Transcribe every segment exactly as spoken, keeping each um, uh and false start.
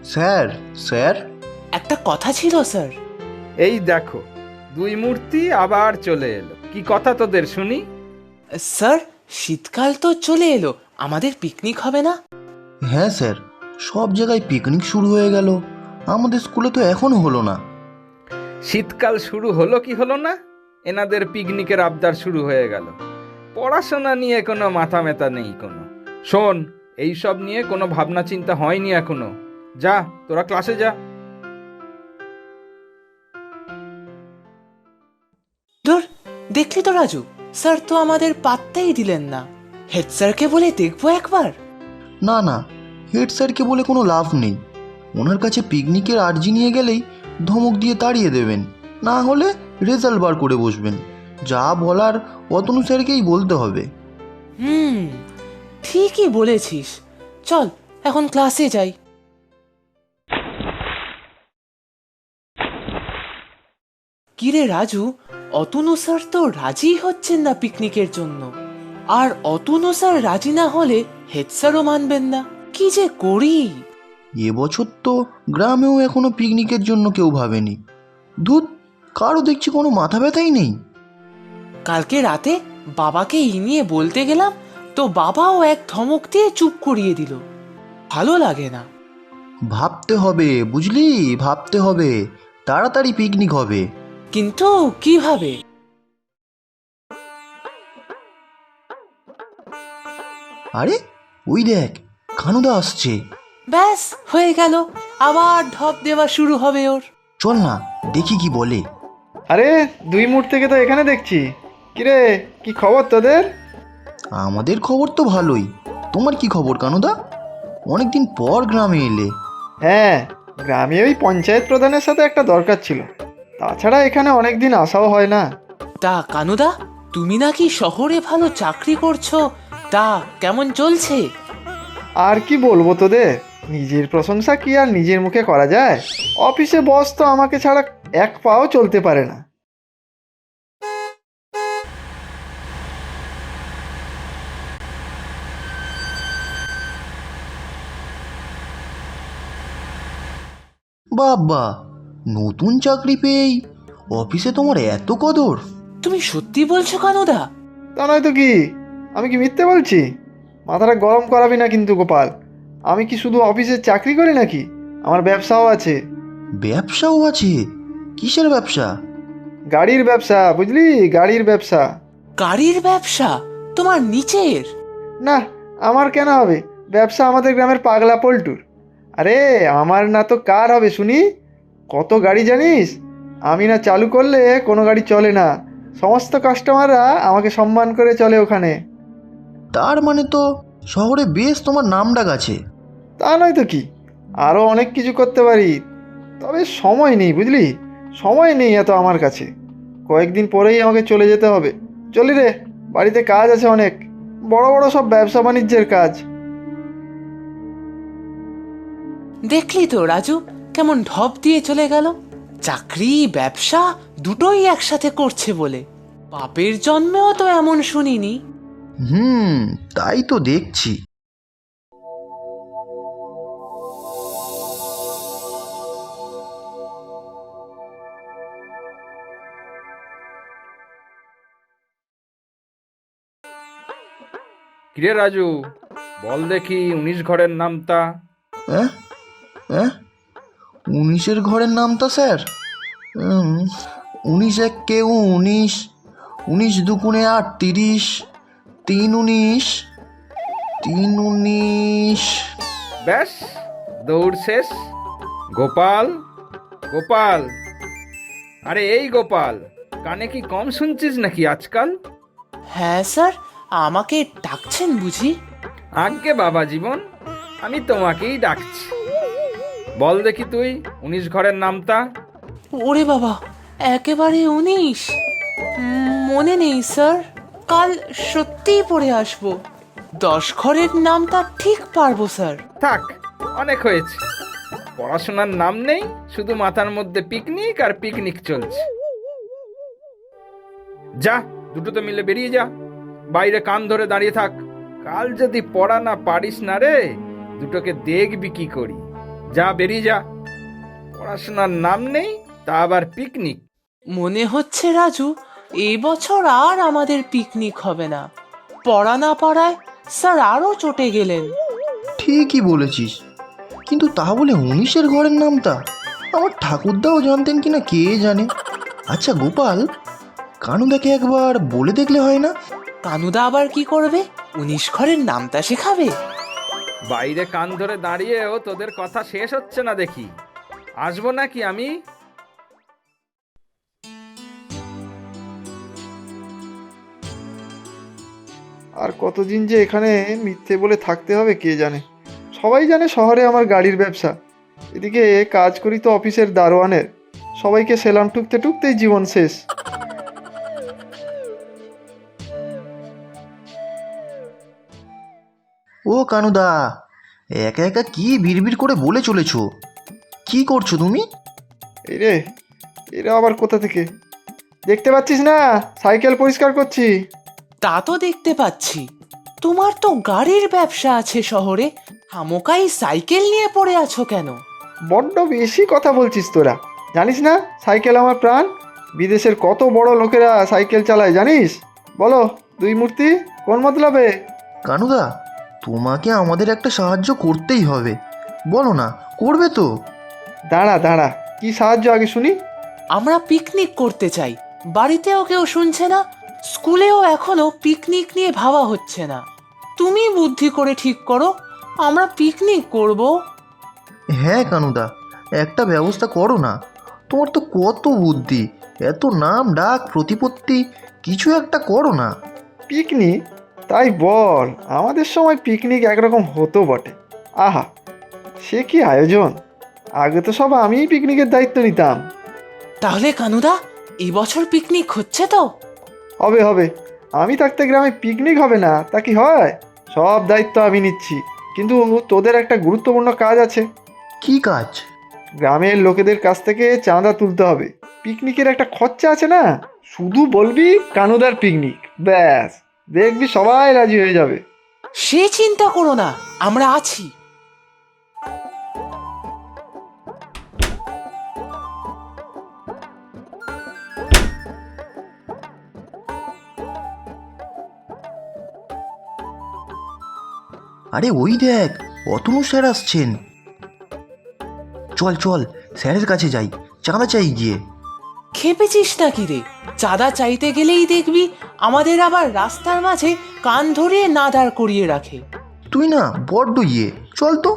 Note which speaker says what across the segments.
Speaker 1: Sir sir
Speaker 2: একটা কথা ছিল স্যার।
Speaker 3: এই দেখো, দুই মূর্তি আবার চলে এলো। কি কথা তোদের শুনি?
Speaker 2: স্যার, শীতকাল তো চলে এলো, আমাদের পিকনিক হবে না?
Speaker 1: হ্যাঁ স্যার, সব জায়গায় পিকনিক শুরু হয়ে গেল, আমাদের স্কুলে তো এখনো হলো না।
Speaker 3: শীতকাল শুরু হলো কি হলো না, এনাদের পিকনিকের আবদার শুরু হয়ে গেল। পড়াশোনা নিয়ে কোনো মাথা ব্যথা নেই কোনো। শোন, এইসব নিয়ে কোনো ভাবনা চিন্তা হয়নি এখনো। যা, তোরা ক্লাসে যা।
Speaker 2: ধুর, দেখলি তো রাজু, স্যার তো আমাদের পাত্তাই দিলেন না। হেড স্যারকে বলে দেখবো একবার।
Speaker 1: না না, হেড স্যারকে বলে কোনো লাভ নেই। ওনার কাছে পিকনিকের আর্জি নিয়ে গেলেই ধমক দিয়ে তাড়িয়ে দেবেন, না হলে রেজাল্ট বার করে বসবেন। যা বলার অতনু স্যারকেই বলতে হবে।
Speaker 2: হুম, ঠিকই বলেছিস। চল এখন ক্লাসে যাই। কিরে রাজু, অতনু স্যার তো রাজি হচ্ছেন না পিকনিকের জন্য। আর অতনু স্যার রাজি না হলে হেড স্যারও মানবেন না। কি যে করি!
Speaker 1: এবছর তো গ্রামেও এখনো পিকনিকের জন্য কেউ ভাবেনি। ধুত, কারো দেখছি কোনো মাথা ব্যথাই নেই।
Speaker 2: কালকে রাতে বাবাকে এই নিয়ে বলতে গেলাম, তো বাবাও এক ধমক দিয়ে চুপ করিয়ে দিল। ভালো লাগে না।
Speaker 1: ভাবতে হবে, বুঝলি, ভাবতে হবে। তাড়াতাড়ি পিকনিক হবে।
Speaker 2: কিন্তু কিভাবে?
Speaker 1: আরে ওই দেখ, কানুদা আসছে।
Speaker 2: ব্যাস হয়ে গেল, আবার ঢপ দেওয়া শুরু হবে ওর।
Speaker 1: চল না, দেখি কি বলে।
Speaker 4: আরে দুই মুহূর্ত থেকে তো এখানে দেখছি। কিরে, কি খবর তোদের?
Speaker 1: আমাদের খবর তো ভালোই। তোমার কি খবর কানুদা? অনেকদিন পর গ্রামে এলে।
Speaker 4: হ্যাঁ, গ্রামে ওই পঞ্চায়েত প্রধানের সাথে একটা দরকার ছিল। তাছাড়া এখানে অনেক দিন আসাও হয় না।
Speaker 2: তা কানুদা, তুমি নাকি শহরে ভালো চাকরি করছো, তা কেমন চলছে?
Speaker 4: আর কি বলবো তোদের, নিজের প্রশংসা কি আর নিজের মুখে করা যায়? অফিসে বস তো আমাকে ছাড়া এক পাও চলতে পারে না।
Speaker 1: বাবা, নতুন চাকরি পেয়েই অফিসে তোমার এত কদর?
Speaker 2: তুমি সত্যি বলছো কানুদা?
Speaker 4: তা নয় তো কি, আমি কি মিথ্যে বলছি? মাথাটা গরম করাবি না কিন্তু গোপাল। আমি কি শুধু অফিসে চাকরি করি নাকি? আমার ব্যবসাও আছে।
Speaker 1: ব্যবসাও আছে? কিসের ব্যবসা?
Speaker 4: গাড়ির ব্যবসা, বুঝলি, গাড়ির ব্যবসা।
Speaker 2: গাড়ির ব্যবসা? তোমার নিচের?
Speaker 4: না, আমার কেন হবে? ব্যবসা আমাদের গ্রামের পাগলা পল্টুর। আরে আমার না তো কার হবে শুনি? কত গাড়ি জানিস? আমি না চালু করলে কোনো গাড়ি চলে না। সমস্ত কাস্টমাররা আমাকে সম্মান করে চলে ওখানে।
Speaker 1: তার মানে তো শহরে বেশ তোমার নাম ডাক আছে।
Speaker 4: তা নয় তো কি, আরও অনেক কিছু করতে পারি, তবে সময় নেই, বুঝলি, সময় নেই এত আমার কাছে। কয়েকদিন পরেই আমাকে চলে যেতে হবে। চলি রে, বাড়িতে কাজ আছে অনেক, বড় বড় সব ব্যবসা বাণিজ্যের কাজ।
Speaker 2: দেখলি তো রাজু, কেমন ঢপ দিয়ে চলে গেল। চাকরি ব্যবসা দুটোই একসাথে করছে বলে। বাপের জন্মেও তো এমন শুনিনি।
Speaker 1: হুম, তাই তো দেখছি।
Speaker 3: কিরে রাজু, বল দেখি উনিশ ঘরের নামটা।
Speaker 1: হ্যাঁ হ্যাঁ, উনিশের ঘরের নামটা স্যার? উম, উনিশ এক কে উনিশ, উনিশ দুগুণে আট তিরিশ, তিন উনিশ, তিন উনিশ।
Speaker 3: ব্যাস, দৌড় শেষ। গোপাল, গোপাল, আরে এই গোপাল, কানে কি কম শুনছিস নাকি আজকাল?
Speaker 2: হ্যাঁ স্যার, আমাকে ডাকছেন বুঝি?
Speaker 3: আজ্ঞে বাবা জীবন, আমি তোমাকেই ডাকছি। বল দেখি তুই উনিশ ঘরের নামটা।
Speaker 2: ওরে বাবা, একেবারে উনিশ? উম, মনে নেই স্যার, কাল সত্যিই পড়ে আসবো। দশ ঘরের নামটা ঠিক পারবো স্যার।
Speaker 3: থাক, অনেক হয়েছে। পড়াশোনার নাম নেই, শুধু মাথার মধ্যে পিকনিক আর পিকনিক চলছে। যা, দুটোতে মিলে বেরিয়ে যা, বাইরে কান ধরে দাঁড়িয়ে থাক। কাল যদি পড়া না পারিস না রে, দুটোকে দেখবি কি করি। যা বেরিয়ে যা। পড়াশোনার নাম নেই, তা আবার পিকনিক।
Speaker 2: মনে হচ্ছে রাজু, এই বছর আর আমাদের পিকনিক হবে না। পড়া না পড়ায় স্যার আরও চটে গেলেন।
Speaker 1: ঠিকই বলেছিস, কিন্তু তা বলে উনিশের ঘরের নামটা আমার ঠাকুরদাও জানতেন কিনা কে জানে। আচ্ছা গোপাল, কানুদাকে একবার বলে দেখলে হয় না?
Speaker 2: কানুদা আবার কি করবে? উনিশ ঘরের নামটা শেখাবে?
Speaker 3: বাইরে কান ধরে দাঁড়িয়েও তোদের কথা শেষ হচ্ছে না দেখি। আসবো নাকি আমি?
Speaker 4: আর কতদিন যে এখানে মিথ্যে বলে থাকতে হবে কে জানে। সবাই জানে শহরে আমার গাড়ির ব্যবসা, এদিকে কাজ করি তো অফিসের দারোয়ানের। সবাইকে সেলাম টুকতে টুকতেই জীবন শেষ।
Speaker 1: ও কানুদা, একা একা কি বিড়বিড় করে বলে চলেছো? কি করছো তুমি?
Speaker 4: এই রে, এরা আবার কোথা থেকে? দেখতে পাচ্ছিস না সাইকেল পরিষ্কার করছি।
Speaker 2: তা তো দেখতে পাচ্ছি। তোমার তো গাড়ির ব্যবসা আছে শহরে, হামোকাই সাইকেল নিয়ে পড়ে আছো কেন?
Speaker 4: বড্ড বেশি কথা বলছিস তোরা। জানিস না সাইকেল আমার প্রাণ? বিদেশের কত বড় লোকেরা সাইকেল চালায় জানিস? বলো দুই মূর্তি, কোন মতলবে?
Speaker 1: কানুদা, তোমাকে আমাদের একটা সাহায্য করতেই হবে। বলো না, করবে তো?
Speaker 4: দাঁড়া দাঁড়া, কি সাহায্য আগে শুনি।
Speaker 2: আমরা পিকনিক করতে চাই। বাড়িতেও কেউ শুনছে না, স্কুলেও এখনো পিকনিক নিয়ে ভাবা হচ্ছে না। তুমি বুদ্ধি করে ঠিক করো, আমরা পিকনিক করব।
Speaker 1: হ্যাঁ কানুদা, একটা ব্যবস্থা করো না। তোমার তো কত বুদ্ধি, এত নাম ডাক প্রতিপত্তি, কিছু একটা করো না।
Speaker 4: পিকনিক? তাই বল, আমাদের সময় পিকনিক একরকম হতো বটে। আহা, সে কি আয়োজন! আগে তো সব আমিই পিকনিকের দায়িত্ব নিতাম।
Speaker 2: তাহলে কানুদা, এই বছর পিকনিক হচ্ছে তো?
Speaker 4: হবে হবে, আমি থাকতে গ্রামে পিকনিক হবে না তা কি হয়? সব দায়িত্ব আমি নিচ্ছি। কিন্তু তোদের একটা গুরুত্বপূর্ণ কাজ আছে।
Speaker 1: কি কাজ?
Speaker 4: গ্রামের লোকেদের কাছ থেকে চাঁদা তুলতে হবে। পিকনিকের একটা খরচা আছে না, শুধু বলবি কানুদার পিকনিক, ব্যাস দেখবি সবাই রাজি হয়ে যাবে।
Speaker 2: সে চিন্তা করো না, আমরা আছি।
Speaker 1: আরে ওই দেখ, অতনু স্যার আসছেন। চল চল, স্যারের কাছে যাই, চাঁদা চাই গিয়ে।
Speaker 2: খেপেছিস নাকি রে? চাঁদা চাইতে গেলেই দেখবি আমাদের আবার রাস্তার মাঝে কান ধরিয়ে না দাঁড় করিয়ে রাখে।
Speaker 1: তুই না বড্ড ইয়ে, চল তো।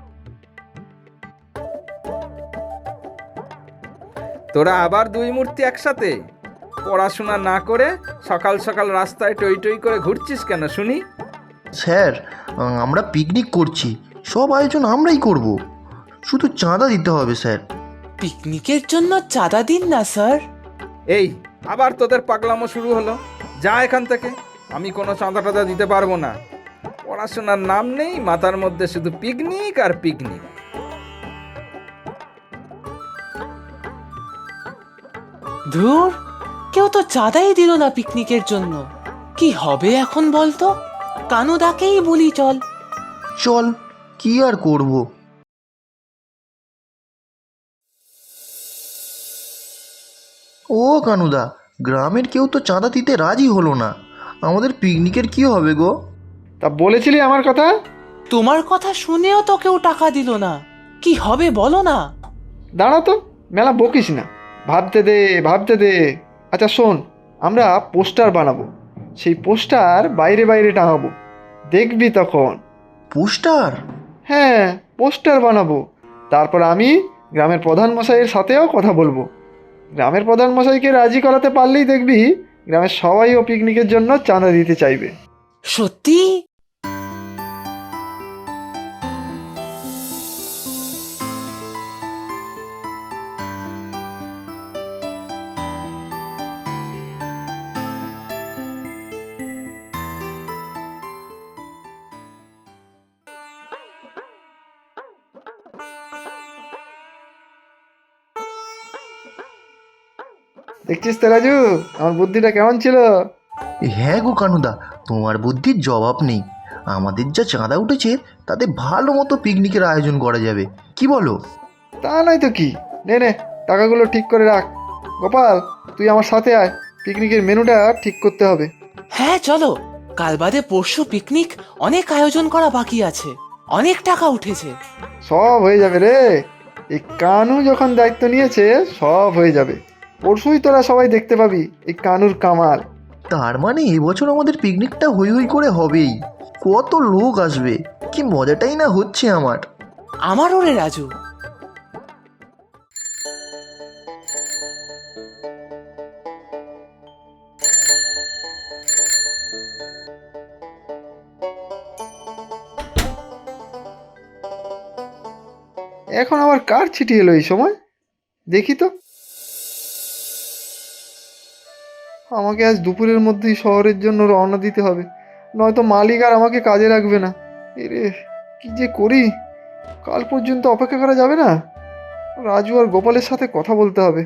Speaker 3: তোরা আবার দুই মূর্তি একসাথে? পড়াশোনা না করে সকাল সকাল রাস্তায় টই টই করে ঘুরছিস কেন শুনি?
Speaker 1: স্যার, আমরা পিকনিক করছি, সব আয়োজন আমরাই করব, শুধু চাঁদা দিতে হবে স্যার।
Speaker 2: পিকনিকের জন্য চাঁদা দিন না স্যার।
Speaker 3: এই আবার তোদের পাগলামো শুরু হলো। যা এখান থেকে, আমি কোনো চাঁদা টাদা দিতে পারবো না। পড়াশোনার নাম নেই, মাথার মধ্যে শুধু পিকনিক আর পিকনিক।
Speaker 2: ধুর, কেউ তো চাঁদাই দিল না পিকনিকের জন্য। কি হবে এখন বলতো? কানুদাকেই বলি চল।
Speaker 1: চল, কি আর করব। ও কানুদা, গ্রামের কেউ তো চাঁদা দিতে রাজি হলো না, আমাদের পিকনিকের কি হবে গো?
Speaker 4: তা বলেছিলি আমার কথা?
Speaker 2: তোমার কথা শুনেও তো কেউ টাকা দিল না, কি হবে বলো না?
Speaker 4: দাঁড়া তো, মেলা বকিস না, ভাবতে দে ভাবতে দে। আচ্ছা শোন, আমরা পোস্টার বানাবো, সেই পোস্টার বাইরে বাইরে টাঙাবো, দেখবি তখন।
Speaker 1: পোস্টার?
Speaker 4: হ্যাঁ, পোস্টার বানাবো। তারপর আমি গ্রামের প্রধান মশাইয়ের সাথেও কথা বলবো। গ্রামের প্রধান মশাইকে রাজি করাতে পারলেই দেখবি গ্রামের সবাইও পিকনিকের জন্য চাঁদা দিতে চাইবে।
Speaker 2: সত্যি?
Speaker 4: দেখছিস তো রাজু, আমার বুদ্ধিটা কেমন ছিল?
Speaker 1: হ্যাঁ গো কানুদা, তোমার বুদ্ধির জবাব নেই। আমাদের যা চাঁদা উঠেছে তাতে ভালো মতো পিকনিকের আয়োজন করা যাবে, কি বলো?
Speaker 4: তা নয় তো কি, নে নে টাকাগুলো ঠিক করে রাখ। গোপাল, তুই আমার সাথে আয়, পিকনিকের মেনুটা ঠিক করতে হবে।
Speaker 2: হ্যাঁ চলো, কাল বাদে পরশু পিকনিক, অনেক আয়োজন করা বাকি আছে, অনেক টাকা উঠেছে।
Speaker 4: সব হয়ে যাবে রে, এই কানু যখন দায়িত্ব নিয়েছে সব হয়ে যাবে। পরশুই তোরা সবাই দেখতে পাবি এই কানুর কামাল।
Speaker 1: তার মানে এবছর আমাদের পিকনিকটা হই হই করে হবেই। কত লোক আসবে, কি মজাটাই না হচ্ছে আমার।
Speaker 2: আমারও রে রাজু।
Speaker 4: এখন আবার কার চিঠি এলো এই সময়, দেখি তো। আমাকে আজ দুপুরের মধ্যেই শহরের জন্য রওনা দিতে হবে, নয়তো মালিক আর আমাকে কাজে রাখবে না। এরে কি যে করি, কাল পর্যন্ত অপেক্ষা করা যাবে না। রাজু আর গোপালের সাথে কথা বলতে হবে।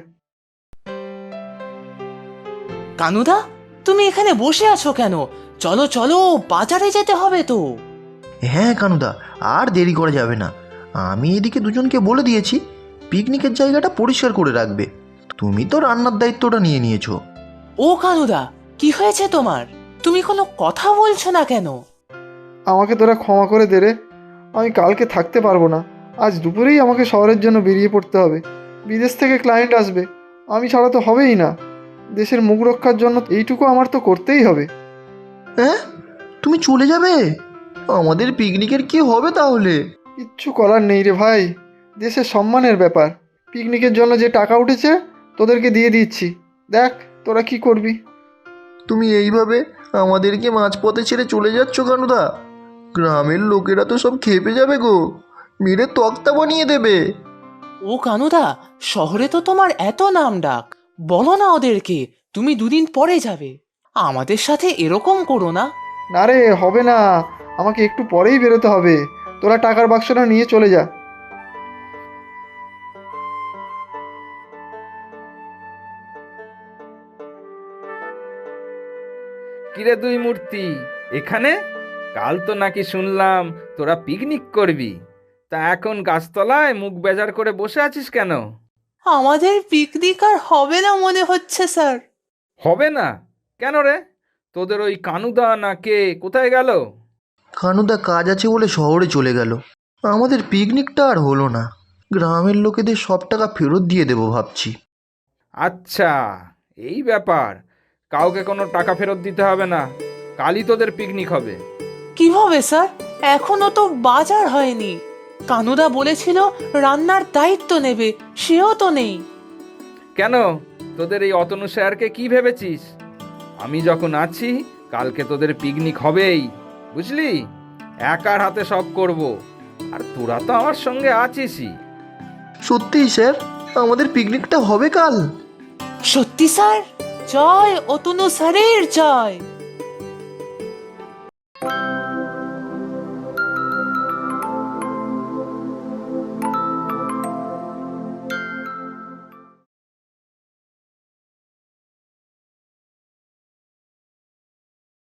Speaker 2: কানুদা, তুমি এখানে বসে আছো কেন? চলো চলো, বাজারে যেতে হবে তো।
Speaker 1: হ্যাঁ কানুদা, আর দেরি করা যাবে না। আমি এদিকে দুজনকে বলে দিয়েছি পিকনিকের জায়গাটা পরিষ্কার করে রাখবে। তুমি তো রান্নার দায়িত্বটা নিয়ে নিয়েছো।
Speaker 2: ও কানুদা, কি হয়েছে তোমার? তুমি কোনো কথা বলছো না কেন?
Speaker 4: আমাকে তোরা ক্ষমা করে দে রে, আমি কালকে থাকতে পারবো না। আজ দুপুরেই আমাকে শহরের জন্য বেরিয়ে পড়তে হবে। বিদেশ থেকে ক্লায়েন্ট আসবে, আমি ছাড়া তো হবেই না। দেশের মুখ রক্ষার জন্য এইটুকু আমার তো করতেই হবে।
Speaker 1: হ্যাঁ, তুমি চলে যাবে? আমাদের পিকনিকের কি হবে তাহলে?
Speaker 4: কিচ্ছু করার নেই রে ভাই, দেশের সম্মানের ব্যাপার। পিকনিকের জন্য যে টাকা উঠেছে তোদেরকে দিয়ে দিচ্ছি, দেখ তোরা কি করবি।
Speaker 1: তুমি এইভাবে আমাদেরকে মাঝপথে ছেড়ে চলে যাচ্ছ কানুদা? গ্রামের লোকেরা তো সব খেপে যাবে গো, মেরে তক্তা বানিয়ে দেবে।
Speaker 2: ও কানুদা, শহরে তো তোমার এত নাম ডাক, বলো না ওদেরকে তুমি দুদিন পরে যাবে। আমাদের সাথে এরকম করো না।
Speaker 4: না রে, হবে না, আমাকে একটু পরেই বেরোতে হবে। তোরা টাকার বাক্সটা নিয়ে চলে যা।
Speaker 3: কিরে দুই মূর্তি, এখানে? কাল তো নাকি শুনলাম তোরা পিকনিক করবি, তা এখন গাছতলায় মুখ বেজার করে বসে আছিস কেন?
Speaker 2: আমাদের পিকনিক আর হবে না মনে হচ্ছে স্যার।
Speaker 3: হবে না কেন রে? তোদের ওই কানুদা না কে কোথায় গেল?
Speaker 1: কানুদা কাজ আছে বলে শহরে চলে গেল। আমাদের পিকনিকটা আর হলো না। গ্রামের লোকেদের সব টাকা ফেরত দিয়ে দেবো ভাবছি।
Speaker 3: আচ্ছা, এই ব্যাপার। কাউকে কোনো টাকা ফেরত দিতে হবে না, কালই তোদের পিকনিক হবে।
Speaker 2: কিভাবে স্যার? এখনো তো বাজার হয়নি। কানুদা বলেছিল রান্নার দায়িত্ব নেবে, সেও তো নেই।
Speaker 3: কেন, তোদের এই অতনু স্যারকে কি ভেবেছিস? আমি যখন আছি কালকে তোদের পিকনিক হবেই, বুঝলি? একার হাতে সব করব, আর তোরা তো আমার সঙ্গে আছিসই।
Speaker 1: সত্যিই স্যার, আমাদের পিকনিকটা হবে কাল?
Speaker 2: সত্যি স্যার? জয় অতনু স্যারের জয়।